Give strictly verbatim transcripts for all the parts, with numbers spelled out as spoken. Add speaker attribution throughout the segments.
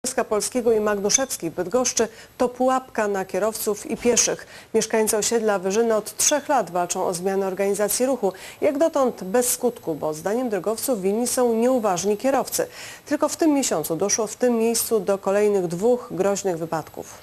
Speaker 1: Wojska Polskiego i Magnuszewskiej w Bydgoszczy to pułapka na kierowców i pieszych. Mieszkańcy osiedla Wyżyny od trzech lat walczą o zmianę organizacji ruchu. Jak dotąd bez skutku, bo zdaniem drogowców winni są nieuważni kierowcy. Tylko w tym miesiącu doszło w tym miejscu do kolejnych dwóch groźnych wypadków.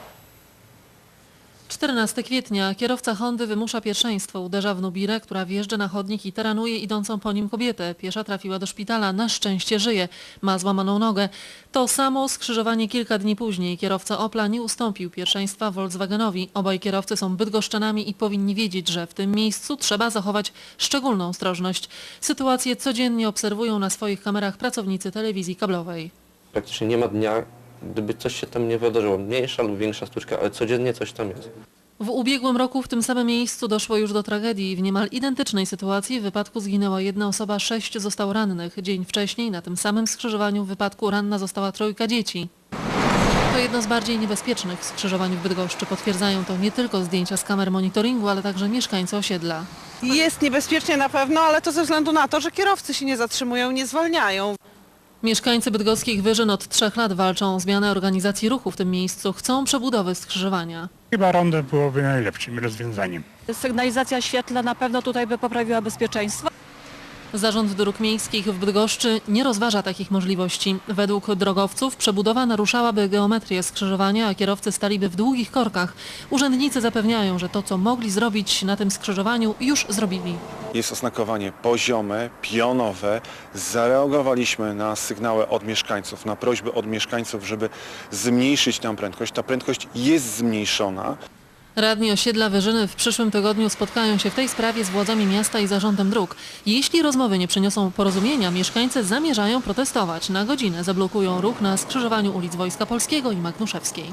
Speaker 2: czternastego kwietnia kierowca Hondy wymusza pierwszeństwo. Uderza w Nubirę, która wjeżdża na chodnik i taranuje idącą po nim kobietę. Piesza trafiła do szpitala. Na szczęście żyje. Ma złamaną nogę. To samo skrzyżowanie kilka dni później. Kierowca Opla nie ustąpił pierwszeństwa Volkswagenowi. Obaj kierowcy są bydgoszczanami i powinni wiedzieć, że w tym miejscu trzeba zachować szczególną ostrożność. Sytuację codziennie obserwują na swoich kamerach pracownicy telewizji kablowej.
Speaker 3: Praktycznie nie ma dnia, gdyby coś się tam nie wydarzyło. Mniejsza lub większa sztuczka, ale codziennie coś tam jest.
Speaker 2: W ubiegłym roku w tym samym miejscu doszło już do tragedii. W niemal identycznej sytuacji w wypadku zginęła jedna osoba, sześć zostało rannych. Dzień wcześniej na tym samym skrzyżowaniu w wypadku ranna została trójka dzieci. To jedno z bardziej niebezpiecznych skrzyżowań w Bydgoszczy. Potwierdzają to nie tylko zdjęcia z kamer monitoringu, ale także mieszkańcy osiedla.
Speaker 4: Jest niebezpiecznie na pewno, ale to ze względu na to, że kierowcy się nie zatrzymują, nie zwalniają.
Speaker 2: Mieszkańcy bydgoskich Wyżyn od trzech lat walczą o zmianę organizacji ruchu w tym miejscu. Chcą przebudowy skrzyżowania.
Speaker 5: Chyba rondo byłoby najlepszym rozwiązaniem.
Speaker 6: Sygnalizacja świetlna na pewno tutaj by poprawiła bezpieczeństwo.
Speaker 2: Zarząd Dróg Miejskich w Bydgoszczy nie rozważa takich możliwości. Według drogowców przebudowa naruszałaby geometrię skrzyżowania, a kierowcy staliby w długich korkach. Urzędnicy zapewniają, że to, co mogli zrobić na tym skrzyżowaniu, już zrobili.
Speaker 7: Jest oznakowanie poziome, pionowe. Zareagowaliśmy na sygnały od mieszkańców, na prośby od mieszkańców, żeby zmniejszyć tę prędkość. Ta prędkość jest zmniejszona.
Speaker 2: Radni osiedla Wyżyny w przyszłym tygodniu spotkają się w tej sprawie z władzami miasta i zarządem dróg. Jeśli rozmowy nie przyniosą porozumienia, mieszkańcy zamierzają protestować. Na godzinę zablokują ruch na skrzyżowaniu ulic Wojska Polskiego i Magnuszewskiej.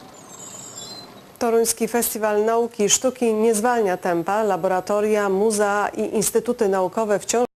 Speaker 1: Toruński Festiwal Nauki i Sztuki nie zwalnia tempa. Laboratoria, muzea i instytuty naukowe wciąż